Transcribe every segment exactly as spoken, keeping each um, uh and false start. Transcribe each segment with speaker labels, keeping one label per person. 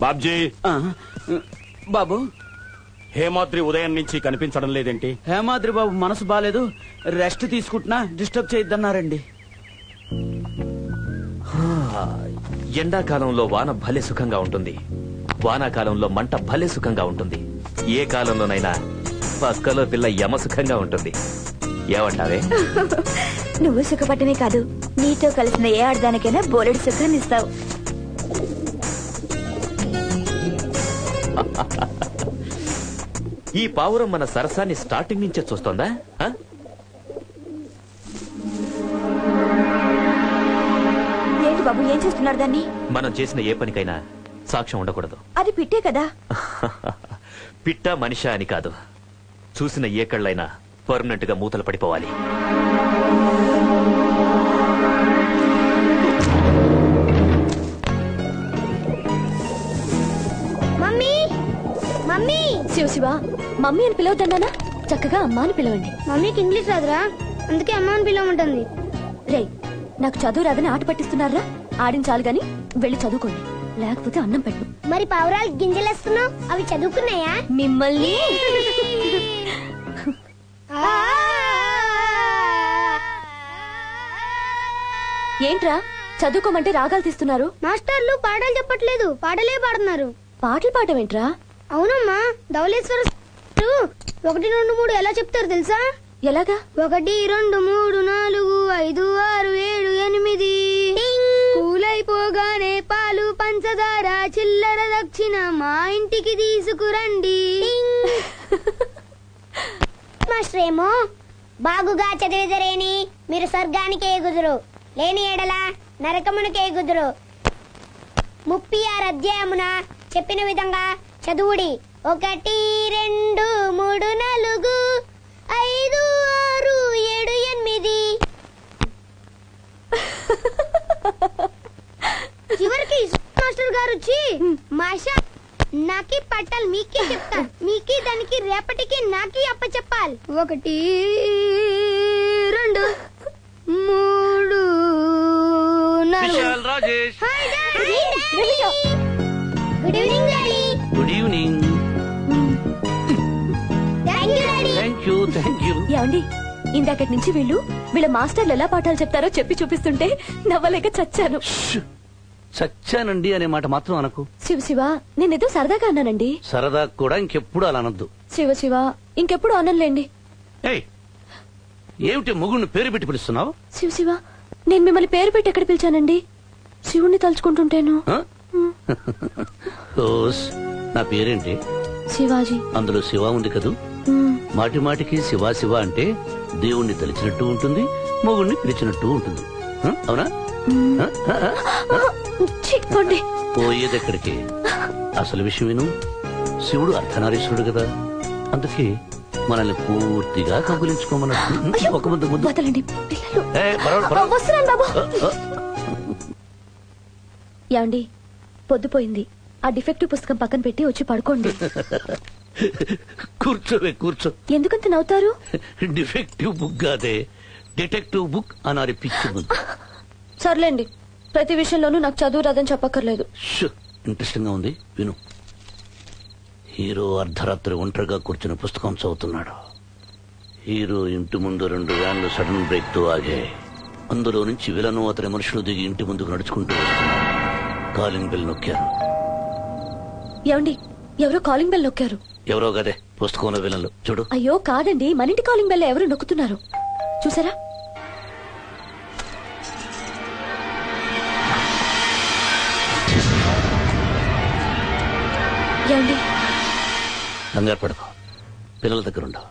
Speaker 1: బాబ్జీ
Speaker 2: బాబు,
Speaker 1: హేమాద్రి ఉదయం నుంచి కనిపించడం లేదేంటి?
Speaker 2: హేమాద్రి బాబు మనసు బాలేదు, రెస్ట్ తీసుకుంటున్నా, డిస్టర్బ్ చేయొద్దన్నారండి.
Speaker 3: ఎండాకాలంలో వాన భలే సుఖంగా ఉంటుంది, వానాకాలంలో మంట భలే సుఖంగా ఉంటుంది. ఏ కాలంలోనైనా పక్కలో పిల్ల యమ సుఖంగా ఉంటుంది. ఏమంటావే?
Speaker 4: నువ్వు సుఖపట్టమే కాదు, నీతో కలిసిన ఏ ఆడదానికైనా బోలెడు సుఖాన్ని ఇస్తావు.
Speaker 3: ఈ పావురం మన సరసాన్ని స్టార్టింగ్ నుంచే చూస్తోందా?
Speaker 4: ఏంటి బాబు, ఏం చేస్తున్నారు దాన్ని?
Speaker 3: మనం చేసిన ఏ పనికైనా సాక్ష్యం ఉండకూడదు.
Speaker 4: అది పిట్టే కదా.
Speaker 3: పిట్ట మనిషా అని కాదు, చూసిన ఏ కళ్ళైనా పర్మనెంట్ గా మూతలు పడిపోవాలి.
Speaker 4: Mummy mummy Shiva Shiva, mummy అని పిలవద్దన్నానా? చక్కగా అమ్మ అని పిలవండి.
Speaker 5: మమ్మీకి ఇంగ్లీష్ రాదురా, అందుకే అమ్మ అని పిలవమంటుంది.
Speaker 4: రే, నాకు చదువు రాదని ఆట పట్టిస్తున్నారా? ఆడించాలి గాని వెళ్ళి చదువుకోండి, లేకపోతే అన్నం పెట్టు.
Speaker 5: మరి పావురాలు గింజలేస్తున్నావు, అవి చదువుకున్నాయా?
Speaker 4: మిమ్మల్ని ఏంట్రా చదువుకోమంటే రాగాలు తీస్తున్నారు?
Speaker 5: మాస్టర్లు పాటలు చెప్పట్లేదు, పాటలే పాడుతున్నారు.
Speaker 4: పాటలు పాడమేంట్రా?
Speaker 5: అవునమ్మా, ధవళేశ్వర ఒకటి రెండు మూడు ఎలా చెప్తారు తెలుసా?
Speaker 4: ఎలాగా?
Speaker 5: ఒకటి రెండు మూడు నాలుగు ఐదు ఆరు ఏడు ఎనిమిది, కూలైపోగానే పాలు పంచదార చిల్లర దక్షిణ మా ఇంటికి తీసుకురండి. మాస్టర్ ఏమో బాగుగా చదివిదరేని మీరు స్వర్గానికి ఎగుదురు, లేని ఎడల నరకమునకు ఎగుదురు. ముప్పై ఆరు అధ్యాయమున చెప్పిన విధంగా చదువుడి. ఒకటి రెండు మూడు నాలుగు ఐదు ఆరు ఏడు ఎనిమిది. చివరికి మాస్టర్ గారు వచ్చి మాషా నాకి పట్టాలి మీకే చెప్తా, మీకి దానికి రేపటికి నాకి అప్ప చెప్పాలి. ఒకటి రెండు మూడు
Speaker 3: Rajesh,
Speaker 5: good evening daddy.
Speaker 2: Good evening.
Speaker 5: Thank you daddy.
Speaker 2: Thank you thank you.
Speaker 4: ఏమండి, ఇందాకటి నుంచి వీళ్ళు వీళ్ళ మాస్టర్లు ఎలా పాఠాలు చెప్తారో చెప్పి చూపిస్తుంటే నవ్వలేక చచ్చాను.
Speaker 2: చచ్చానండి అనే మాట మాత్రం అనకు.
Speaker 4: శివ శివ, నేనేదో సరదాగా అన్నానండి.
Speaker 2: సరదా కూడా ఇంకెప్పుడు అలా అనొద్దు.
Speaker 4: శివ శివ, ఇంకెప్పుడు అనలేండి.
Speaker 2: ఏయ్, ఏమిటి మొగుడిని పేరు పెట్టి పిలుస్తున్నావు?
Speaker 4: శివ శివ, నేను మిమ్మల్ని పేరు పెట్టి ఎక్కడ పిలిచానండి? శివుణ్ణి తలుచుకుంటుంటేను.
Speaker 2: ఆ? ఓస్, నా పేరేంటి?
Speaker 4: శివాజీ.
Speaker 2: అందులో శివ ఉంది కదూ.
Speaker 4: మ్,
Speaker 2: మాటి మాటికి శివ శివ అంటే దేవుణ్ణి తలిచినట్టు ఉంటుంది, మొగుణ్ణి పిలిచినట్టు ఉంటుంది. ఆ? అవునా? ఆ? ఆ? ఆ?
Speaker 4: ఛీ, పోండి.
Speaker 2: పోయేదెక్కడికి? అసలు విషయం విను. శివుడు అర్ధనారీశ్వరుడు కదా, అందుకే మనల్ని పూర్తిగా కబులించుకోమన్నట్టు. ఒక ముద్దు ముద్దు.
Speaker 4: వదలండి పిల్లలు.
Speaker 2: ఏ, పర్వాలేదు, పర్వాలేదు.
Speaker 4: వస్తున్నాను బాబు.
Speaker 2: ఆ, ఆ.
Speaker 4: ఏమండి, పొద్దుపోయింది, ఆ డిఫెక్టివ్ పుస్తకం పక్కన పెట్టి వచ్చి పడుకోండి.
Speaker 2: కూర్చోవే కూర్చో.
Speaker 4: ఎందుకంత నవ్వుతారు?
Speaker 2: డిఫెక్టివ్ బుక్ కాదే, డిటెక్టివ్ బుక్ అనాలి పిచ్చి బుక్.
Speaker 4: సర్లేండి, ప్రతి విషయంలోనూ నాకు చదువు రాదని చెప్పక్కర్లేదు.
Speaker 2: ఇంట్రెస్టింగ్ గా ఉంది, విను. హీరో అర్ధరాత్రి ఒంటరిగా కూర్చుని పుస్తకం చదువుతున్నాడు. హీరో ఇంటి ముందు రెండు వ్యాన్లు సడన్ బ్రేక్ తో ఆగాయి. అందులో నుంచి విలను అతని మనుషులు దిగి ఇంటి ముందుకు నడుచుకుంటూ వస్తున్నారు. కాలింగ్ బెల్ నొక్కారు.
Speaker 4: ఏమండి, ఎవరో కాలింగ్ బెల్ నొక్కారు.
Speaker 2: ఎవరో గదే పుస్తకంలో విలన్లు. చూడు.
Speaker 4: అయ్యో కాదండి, మన ఇంటి కాలింగ్ బెల్ ఎవరు నొక్కుతున్నారు చూసారా? ఏమండి,
Speaker 2: కంగారు పడకు, పిల్లల దగ్గర ఉండవు.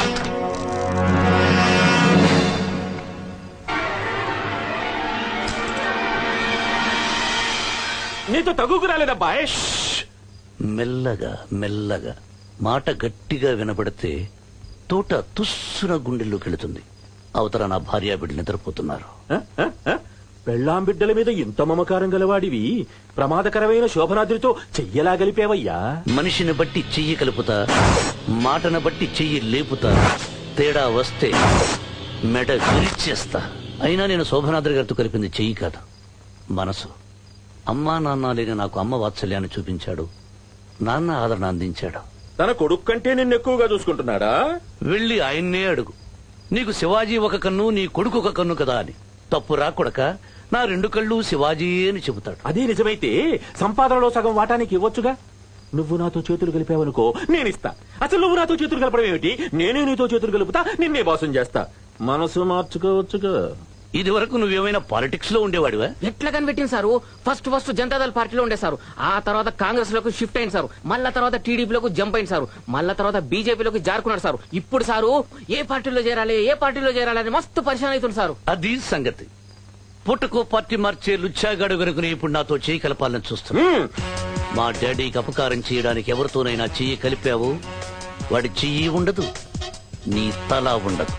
Speaker 1: నీతో తగుకు రాలేదబ్బా.
Speaker 2: మెల్లగా మెల్లగా మాట గట్టిగా వినబడితే తోట తుస్సున గుండెల్లోకి వెళుతుంది. అవతల నా భార్య బిడ్డ నిద్రపోతున్నారు.
Speaker 1: పెళ్ళాం బిడ్డల మీద ఇంత మమకారం గలవాడివి ప్రమాదకరమైన శోభనాద్రితో చెయ్యలా గలిపేవయ్యా.
Speaker 2: మనిషిని బట్టి చెయ్యి కలుపుతా, మాటను బట్టి చెయ్యి లేపుతా. తేడా వస్తే మెడ విరిచేస్తా. అయినా నేను శోభనాద్రి గారితో కలిపింది చెయ్యి కాదు, మనసు. అమ్మా నాన్న లేని నాకు అమ్మ వాత్సల్యాన్ని చూపించాడు, నాన్న ఆదరణ అందించాడు.
Speaker 1: తన కొడుకు కంటే నిన్ను ఎక్కువగా చూసుకుంటున్నాడా?
Speaker 2: వెళ్ళి ఆయన్నే అడుగు, నీకు శివాజీ ఒక కన్ను, నీ కొడుకు ఒక కన్ను కదా అని. తప్పు రాకొడక, నా రెండు కళ్ళు శివాజీ అని చెబుతాడు.
Speaker 1: అదే నిజమైతే సంపాదనలో సగం వాటానికి ఇవ్వొచ్చుగా. నువ్వు నాతో చేతులు కలిపావనుకో, నేనిస్తా. అసలు నువ్వు నాతో చేతులు కలపడం ఏమిటి? నేనే నీతో చేతులు కలుపుతా, నిన్నే బాసం చేస్తా. మనసు మార్చుకోవచ్చుగా.
Speaker 2: ఇది వరకు నువ్వేమైనా పాలిటిక్స్ లో ఉండేవాడివా?
Speaker 6: ఎట్లా కనిపెట్టింది సారు? ఫస్ట్ ఫస్ట్ జనతాదళ పార్టీలో ఉండే సారు, ఆ తర్వాత కాంగ్రెస్ లోకి షిఫ్ట్ అయింది సారు, మళ్ళా తర్వాత టీడీపీలోకి జంప్ అయింది సారు, మళ్ళా తర్వాత బీజేపీలోకి జారుకున్నాడు సారు. ఇప్పుడు సారు ఏ పార్టీలో చేరాలి ఏ పార్టీలో చేరాలి అని మస్తు పరిశాన్ అవుతుంది సారు.
Speaker 2: అది సంగతి. పుట్టకో పార్టీ మార్చే లుచ్చాగాడు గనుకుని ఇప్పుడు నాతో చేయి కలపాలని చూస్తున్నా. మా డాడీకి అపకారం చేయడానికి ఎవరితోనైనా చెయ్యి కలిపావు, వాడి చెయ్యి ఉండదు, నీ తల ఉండదు.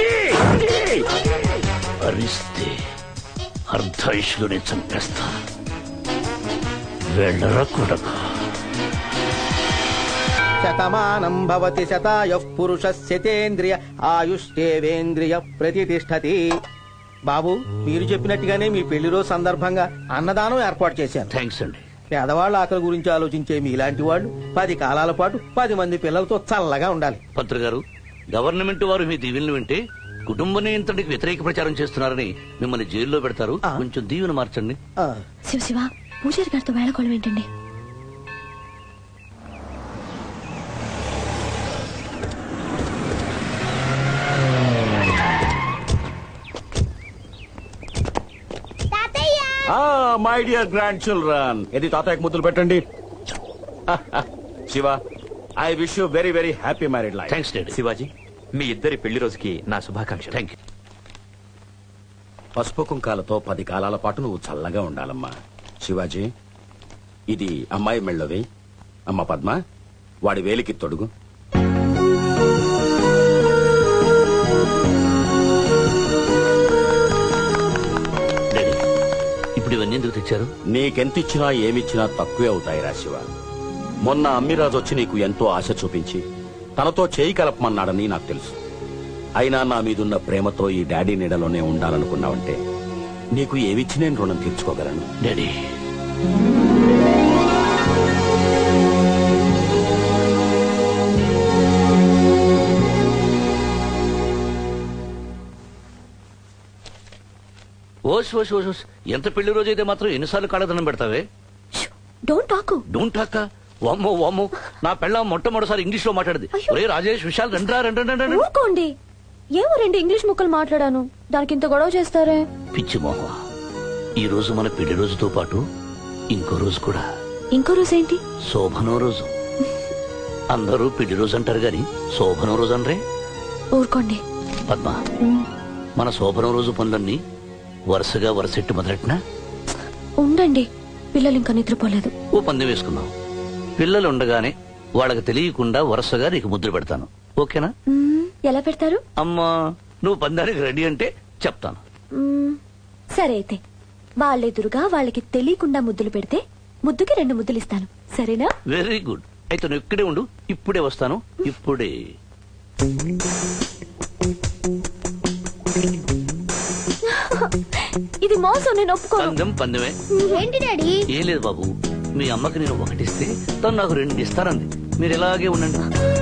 Speaker 2: అరిస్తే అర్ధాయుష్లోనే చంపేస్తా. వెళ్ళరా కొడక.
Speaker 7: శతమానం భవతి శతాయుః పురుషः శతేంద్రియ ఆయుష్ేవేంద్రియ ప్రతిష్టతి. బాబు, మీరు చెప్పినట్టుగానే మీ పెళ్లి రోజు సందర్భంగా అన్నదానం ఏర్పాటు చేశాను.
Speaker 2: థ్యాంక్స్ అండి.
Speaker 7: పేదవాళ్ళ ఆకలి గురించి ఆలోచించే మీలాంటి వాళ్ళు పది కాలాల పాటు పది మంది పిల్లలతో చల్లగా ఉండాలి.
Speaker 2: పంత్రి గారు, గవర్నమెంట్ వారు మీ దీవెనలు వింటే కుటుంబ నియంత్రణకి వ్యతిరేక ప్రచారం చేస్తున్నారని మిమ్మల్ని జైల్లో పెడతారు.
Speaker 7: ఆ.
Speaker 2: కొంచెం దీవెన మార్చండి.
Speaker 7: ఆ,
Speaker 4: శివ శివ, పూజారి గారితో వేళకోళం ఏంటండి?
Speaker 5: తాతయ్య
Speaker 8: మై డియర్ గ్రాండ్ చిల్డ్రన్, ఇది తాతయ్యకు ముద్దులు పెట్టండి. Shiva, I wish you very very happy married life.
Speaker 2: Thanks daddy.
Speaker 3: Shivaji, మీ ఇద్దరి పెళ్లి రోజుకి నా శుభాకాంక్షలు.
Speaker 2: Thank you.
Speaker 8: పసుపు కుంకాలతో పది కాలాల పాటు నువ్వు చల్లగా ఉండాలమ్మా. శివాజీ, ఇది అమ్మాయి మెళ్ళవి. అమ్మ పద్మ, వాడి వేలికి తొడుగు.
Speaker 2: డాడీ, ఇప్పుడు ఇవన్నీ ఎందుకు తెచ్చారు?
Speaker 8: నీకెంతిచ్చినా ఏమిచ్చినా తక్కువే అవుతాయిరా శివ. మొన్న అమ్మిరాజు వచ్చి నీకు ఎంతో ఆశ చూపించి తనతో చేయి కలపమన్నాడని నాకు తెలుసు. అయినా నా మీదున్న ప్రేమతో ఈ డాడీ నీడలోనే ఉండాలనుకున్నావంటే నీకు ఏమిచ్చి నేను రుణం తీర్చుకోగలను.
Speaker 2: డాడీ, ఓస్ ఓస్ ఓస్ ఓస్. ఎంత పెళ్లి రోజు అయితే మాత్రం ఎన్నిసార్లు కాళ్ళదనం పెడతావే?
Speaker 4: Don't talk.
Speaker 2: Don't talk. వామ్మో వామ్మో, నా పెళ్ళ మొట్టమొదటిసారి ఇంగ్లీష్ లో మాట్లాడింది. ఒరే రాజేష్, విశాల్, రండ్రా రండి రండి.
Speaker 4: ఊరుకోండి. ఏమో రెండు ఇంగ్లీష్ ముక్కలు మాట్లాడాను, దానికి ఇంత గొడవ చేస్తారే?
Speaker 2: పిచ్చి మోహ, ఈ రోజు మన పెళ్లి రోజుతో పాటు ఇంకో రోజు కూడా.
Speaker 4: ఇంకో రోజు ఏంటి?
Speaker 2: శోభనో రోజు. అందరూ పెళ్లి రోజు అంటారు గాని శోభనో రోజు అనరే.
Speaker 4: ఊరుకోండి.
Speaker 2: పద్మ, మన శోభనం రోజు పనులన్నీ వరుసగా వరుసెట్టు మొదలెట్టినా?
Speaker 4: ఉండండి, పిల్లలు ఇంకా నిద్రపోలేదు.
Speaker 2: ఓ పందెం వేసుకుందాం. పిల్లలు ఉండగానే వాళ్ళకి తెలియకుండా వరుసగా నీకు ముద్ర పెడతాను, ఓకేనా?
Speaker 4: మ్మ్, ఎలా పెడతారు?
Speaker 2: అమ్మా, నువ్వు పందానికి రెడీ అంటే చెప్తాను.
Speaker 4: మ్మ్, సరే అయితే వాళ్ళెదురుగా వాళ్ళకి తెలియకుండా ముద్దులు పెడితే ముద్దుకి రెండు ముద్దులు ఇస్తాను, సరేనా?
Speaker 2: Very good. అయితే నువ్వు ఇక్కడే ఉండు, ఇప్పుడే వస్తాను. ఇప్పుడే.
Speaker 4: ఇది మోసం, నేను ఒప్పుకోను.
Speaker 2: పందెం పందెమే.
Speaker 5: ఏంటి డాడీ?
Speaker 2: ఏం లేదు బాబు, మీ అమ్మకి నేను ఒకటిస్తే తను నాకు రెండు ఇస్తానంది. మీరు ఇలాగే ఉండండి.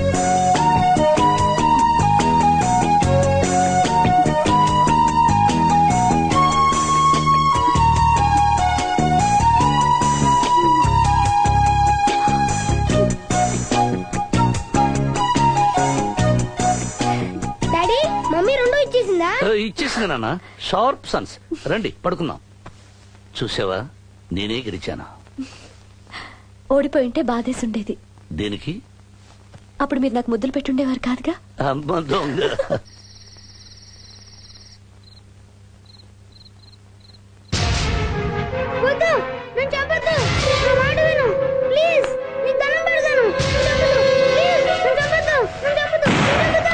Speaker 5: డాడీ, మమ్మీ రెండు ఇచ్చేసిందా?
Speaker 2: ఆ, ఇచ్చేసింది నాన్న. Sharp sons. రండి పడుకుందాం. చూసావా, నేనే గెలిచానా?
Speaker 4: ఓడిపోయి ఉంటే బాధేసి ఉండేది.
Speaker 2: దేనికి?
Speaker 4: అప్పుడు మీరు నాకు ముద్దులు పెట్టుండేవారు కాదుగా.
Speaker 2: అమ్మ దొంగ.
Speaker 5: వద్దు, నేను చెప్పొద్దు. నా మాట విను ప్లీజ్. నీకు దండం పెడతాను. నేను చెప్పొద్దు. ప్లీజ్, నేను చెప్పొద్దు. నేను చెప్పొద్దు. నేను చెప్పొద్దు.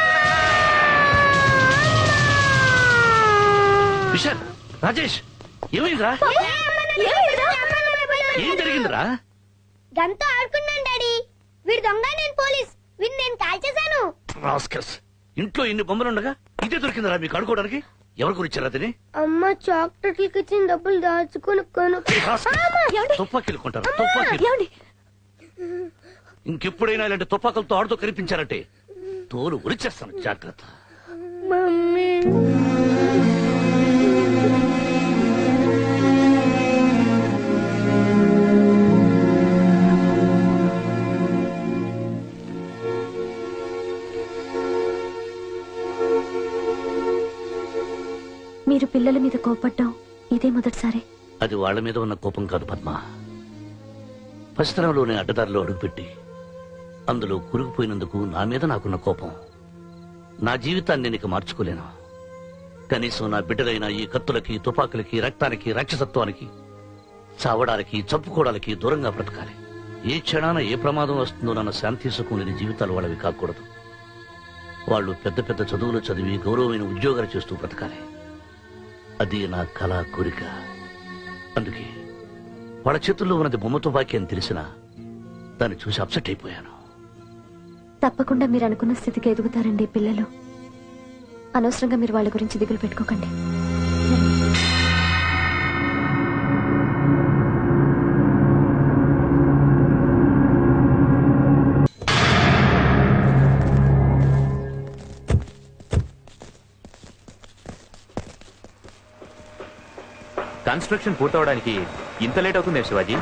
Speaker 2: విశాల్, రాజేష్, ఏమైందిరా? ఏం జరిగిందిరా?
Speaker 5: గంతో ఆడుకున్నాను డాడీ. వీడు దొంగ, నేను పోలీస్. వీడిని నేను కాల్చేశాను.
Speaker 2: రాస్కల్స్, ఇంట్లో ఇన్ని బొమ్మలుండగా ఇదే దొరికిందిరా మీకు ఆడుకోవడానికి? ఎవరి గురించి అతని
Speaker 5: అమ్మ చాక్లెట్లకి ఇచ్చిన డబ్బులు దాచుకుని కొను
Speaker 2: తుపాకీలు కొంటారు తుపాకీలు
Speaker 4: ఏమండి
Speaker 2: ఇంకెప్పుడైనా ఇలాంటి తుపాకులతో ఆడుతూ కనిపించారంటే తోలు ఉరిచేస్తాను జాగ్రత్త.
Speaker 5: మమ్మీ
Speaker 4: మీరు పిల్లల మీద కోపడ్డం ఇదే మొదటిసారి.
Speaker 2: అది వాళ్ళ మీద ఉన్న కోపం కాదు పద్మ. పసితనంలోనే అడ్డదారిలో అడుగుపెట్టి అందులో కురుగుపోయినందుకు నా మీద నాకున్న కోపం. నా జీవితాన్ని నేను ఇక మార్చుకోలేను. కనీసం నా బిడ్డలైన ఈ కత్తులకి తుపాకులకి రక్తానికి రాక్షసత్వానికి చావడానికి చంపుకోవడానికి దూరంగా బ్రతకాలి. ఏ క్షణాన ఏ ప్రమాదం వస్తుందో నన్న శాంతి సుఖం లేని జీవితాలు వాళ్ళవి కాకూడదు. వాళ్ళు పెద్ద పెద్ద చదువులు చదివి గౌరవమైన ఉద్యోగాలు చేస్తూ బ్రతకాలి. అది నా కళ కోరిక. అందుకే వాళ్ళ చేతుల్లో ఉన్నది బొమ్మ తుపాకీ అని తెలిసినా దాన్ని చూసి అప్సెట్ అయిపోయాను.
Speaker 4: తప్పకుండా మీరు అనుకున్న స్థితికి ఎదుగుతారండి పిల్లలు. అనవసరంగా మీరు వాళ్ళ గురించి దిగులు పెట్టుకోకండి.
Speaker 3: కన్స్ట్రక్షన్ పూర్తవడానికి ఇంత లేట్ అవుతుంది శివాజీ?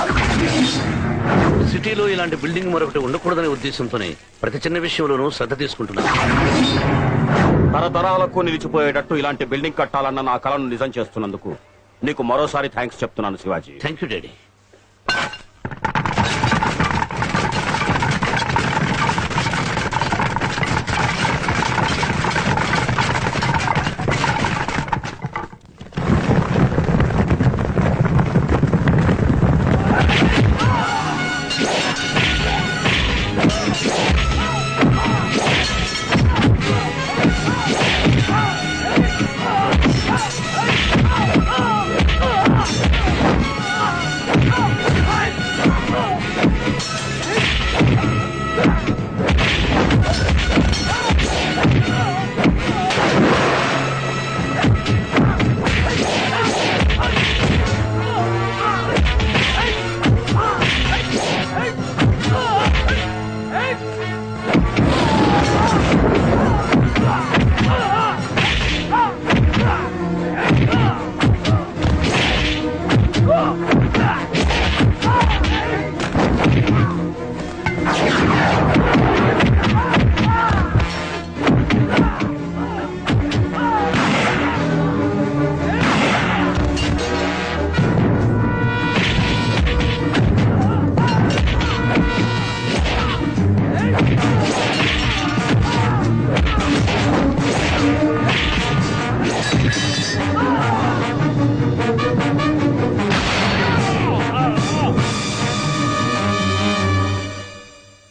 Speaker 2: సిటీలో ఇలాంటి బిల్డింగ్ మరొకటి ఉండకూడదనే ఉద్దేశంతోనే ప్రతి చిన్న విషయంలోనూ శ్రద్ధ తీసుకుంటున్నాను.
Speaker 8: తరతరాలకు నిలిచిపోయేటట్టు ఇలాంటి బిల్డింగ్ కట్టాలన్న నా కలను నిజం చేస్తున్నందుకు నీకు మరోసారి థ్యాంక్స్ చెప్తున్నాను Shivaji.
Speaker 2: Thank you daddy.
Speaker 5: Ah!